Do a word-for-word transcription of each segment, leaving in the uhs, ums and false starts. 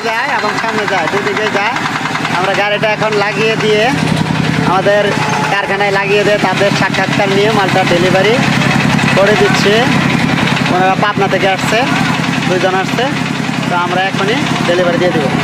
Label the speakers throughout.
Speaker 1: যায় এবং সামনে যায়, দুদিকে যায়। আমরা গাড়িটা এখন লাগিয়ে দিয়ে আমাদের কারখানায় লাগিয়ে দিয়ে তাদের সাক্ষাৎকার নিয়ে মালটা ডেলিভারি করে দিচ্ছে। ওনারা পাবনা থেকে আসছে, দুইজন আসছে, তো আমরা এখনই ডেলিভারি দিয়ে দেবো।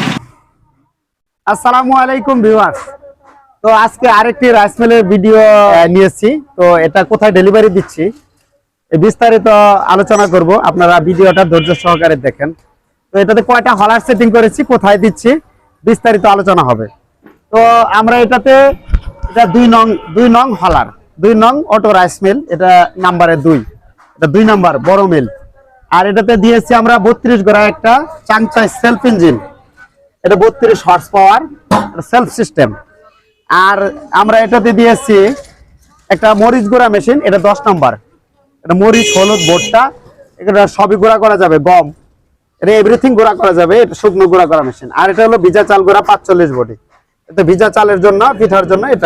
Speaker 1: আসসালামু আলাইকুম ভিউয়ার্স, তো আজকে আরেকটি রাইস মিলের ভিডিও নিয়েছি। তো এটা কোথায় ডেলিভারি দিচ্ছি বিস্তারিত আলোচনা করব, আপনারা ভিডিওটা ধৈর্য সহকারে দেখেন। তো এটাতে কয়টা হলার সেটিং করেছি, কোথায় দিচ্ছি বিস্তারিত আলোচনা হবে। তো আমরা এটাতে এটা দুই নং দুই নং হলার দুই নং অটো রাইস মিল, এটা নাম্বারে দুই, এটা দুই নাম্বার বড় মিল। আর এটাতে দিয়েছি আমরা বত্রিশ গোড়া একটা চাংচাই সেলফ ইঞ্জিন, এটা বত্রিশ হর্স পাওয়ার সেলফ সিস্টেম। আর আমরা এটাতে দিয়েছি একটা মরিচ গুঁড়া মেশিন, এটা দশ নাম্বার, এটা মরিচ হলুদ ভুট্টা এটা সবই গুঁড়া করা যাবে, গম এটা এভরিথিং গুঁড়া করা যাবে, এটা শুকনো গুঁড়া করা মেশিন। আর এটা হলো ভিজা চাল গুঁড়া পাঁচচল্লিশ বডি, এটা ভিজা চালের জন্য, পিঠার জন্য এটা।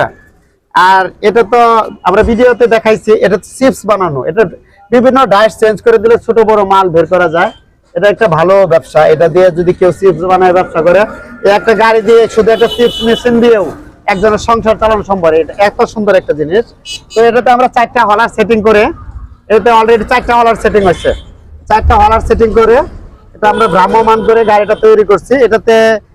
Speaker 1: আর এটা তো আমরা ভিডিওতে দেখাইছি, এটা চিপস বানানো, এটা বিভিন্ন ডায়েট চেঞ্জ করে দিলে ছোট বড় মাল বের করা যায়। এটা একটা ভালো ব্যবসা, এটা দিয়ে যদি কেউ চিপস বানায় ব্যবসা করে, একটা গাড়ি দিয়ে শুধু একটা চিপস মেশিন দিয়েও একজনের সংসার চালানো সম্ভব। এটা এত সুন্দর একটা জিনিস। তো এটাতে আমরা চারটা হলার সেটিং করে, এটাতে অলরেডি চারটা হলার সেটিং হচ্ছে, চারটা হলার সেটিং করে এটা আমরা ভ্রাম্যমান করে গাড়িটা তৈরি করছি। এটাতে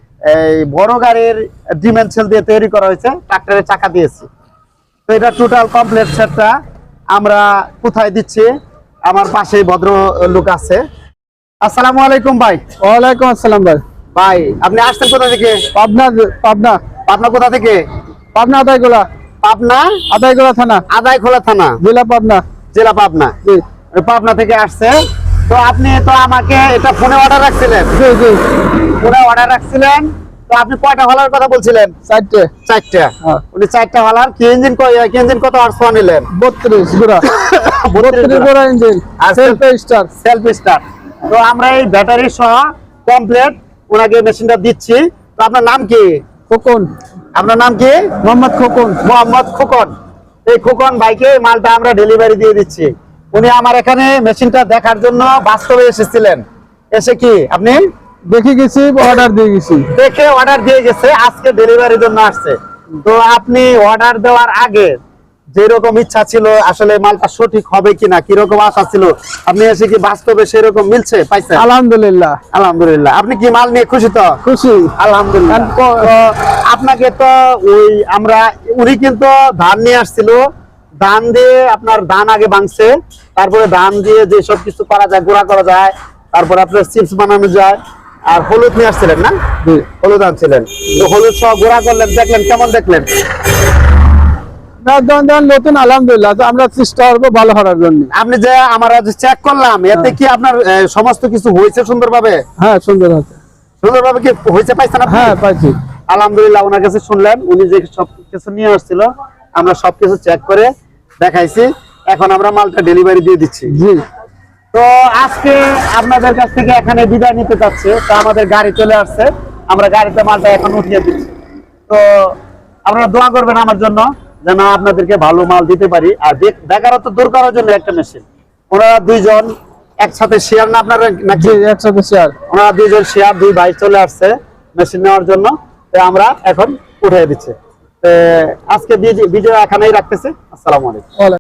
Speaker 1: এই বড় গাড়ির ডিমেনশন দিয়ে তৈরি করা হয়েছে, ট্রাক্টরের চাকা দিয়েছি। তো এটা টোটাল কমপ্লিট সেটটা আমরা কোথায় দিচ্ছি, আমার পাশেই ভদ্র লোক আছে। আসসালামু আলাইকুম ভাই।
Speaker 2: ওয়ালাইকুম আসসালাম ভাই।
Speaker 1: ভাই আপনি আসছেন কোথা থেকে?
Speaker 2: পাবনা। পাবনা
Speaker 1: পাবনা কোথা থেকে?
Speaker 2: পাবনা আদাইগোলা।
Speaker 1: পাবনা
Speaker 2: আদাইগোলা থানা।
Speaker 1: আদাইখোলা থানা,
Speaker 2: জেলা পাবনা।
Speaker 1: জেলা পাবনা।
Speaker 2: জি।
Speaker 1: পাবনা থেকে আসছে। তো আপনি তো আমাকে এটা ফোনে অর্ডার রাখছিলেন?
Speaker 2: জি জি
Speaker 1: ফোনে অর্ডার রাখছিলেন। তো আপনি কয়টা হলার কথা বলছিলেন?
Speaker 2: চারটে।
Speaker 1: চারটা।
Speaker 2: হ্যাঁ।
Speaker 1: উনি চারটা হলার কি ইঞ্জিন কয় কি ইঞ্জিন কত হর্স পাওয়ার নিলেন?
Speaker 2: বত্রিশ গোড়া।
Speaker 1: বত্রিশ
Speaker 2: গোড়া ইঞ্জিন
Speaker 1: আর
Speaker 2: সেলফ স্টার্ট।
Speaker 1: Self start. তো আমরা এই ব্যাটারি সহ কমপ্লিট ওনাকে মেশিনটা দিচ্ছি। তো আপনার নাম কি?
Speaker 2: খোকন।
Speaker 1: আপনার নাম কি?
Speaker 2: মোহাম্মদ খোকন।
Speaker 1: মোহাম্মদ খোকন। এই খোকন ভাইকে মালটা আমরা ডেলিভারি দিয়ে দিচ্ছি। উনি আমার এখানে মেশিনটা দেখার জন্য বাস্তবে এসেছিলেন। এসে কি আপনি
Speaker 2: দেখে গেছি, অর্ডার দিয়ে গেছি।
Speaker 1: দেখে অর্ডার দিয়ে গেছে, আজকে ডেলিভারির জন্য আসছে। তো আপনি অর্ডার দেওয়ার আগে যেরকম ইচ্ছা ছিল আসলে মালটা সঠিক হবে কিনা, কিরকম আশা ছিল, আপনি এসে কি বাস্তবে সেরকম মিলছে পাইছেন?
Speaker 2: আলহামদুলিল্লাহ।
Speaker 1: আলহামদুলিল্লাহ। আপনি কি মাল নিয়ে খুশি? তো
Speaker 2: খুশি
Speaker 1: আলহামদুলিল্লাহ। তো আপনাকে তো ওই আমরা উনি কিন্তু ধান নিয়ে আসছিল, ধান দিয়ে আপনার ধান আগে ভাঙছে, তারপরে ধান দিয়ে যে সব কিছু করা যায়, গুঁড়া করা যায়, তারপরে আপনার চিপস বানানো যায়। আর হলুদ নিয়ে আসছিলেন না? হলুদ আনছিলেন, তো হলুদ সহ গুঁড়া করলেন, দেখলেন কেমন দেখলেন?
Speaker 2: নতুন আলহামদুলিল্লাহ। তো আমরা চেষ্টা করবো ভালো করার জন্য।
Speaker 1: আপনি যে আমরা যে চেক করলাম, এতে কি আপনার সমস্ত কিছু হয়েছে সুন্দরভাবে?
Speaker 2: হ্যাঁ সুন্দর আছে।
Speaker 1: সুন্দরভাবে কি হয়েছে পাইছেন আপনি?
Speaker 2: হ্যাঁ পাইছি
Speaker 1: আলহামদুলিল্লাহ। ওনার কাছে শুনলেন, উনি যে সব কিছু নিয়ে আসছিল আমরা সবকিছু চেক করে দেখাইছি। এখন আমরা মালটা ডেলিভারি দিয়ে দিচ্ছি।
Speaker 2: জি।
Speaker 1: তো আজকে আপনাদের কাছ থেকে এখানে বিদায় নিতে চাচ্ছে। তো আমাদের গাড়ি চলে আসছে, আমরা গাড়িতে মালটা এখন উঠিয়ে দিচ্ছি। তো আপনারা দোয়া করবেন আমার জন্য, যেন আপনাদেরকে ভালো মাল দিতে পারি। আর বেকারত্ব দূর করার জন্য একটা মেশিন, ওনারা দুইজন একসাথে শেয়ার না আপনারা নাকি?
Speaker 2: একসাথে শেয়ার।
Speaker 1: ওনারা দুইজন শেয়ার, দুই ভাই চলে আসছে মেশিন নেওয়ার জন্য। তো আমরা এখন উঠিয়ে দিচ্ছি। আজকে ভিডিও এখানেই রাখতেছি। আসসালামু আলাইকুম।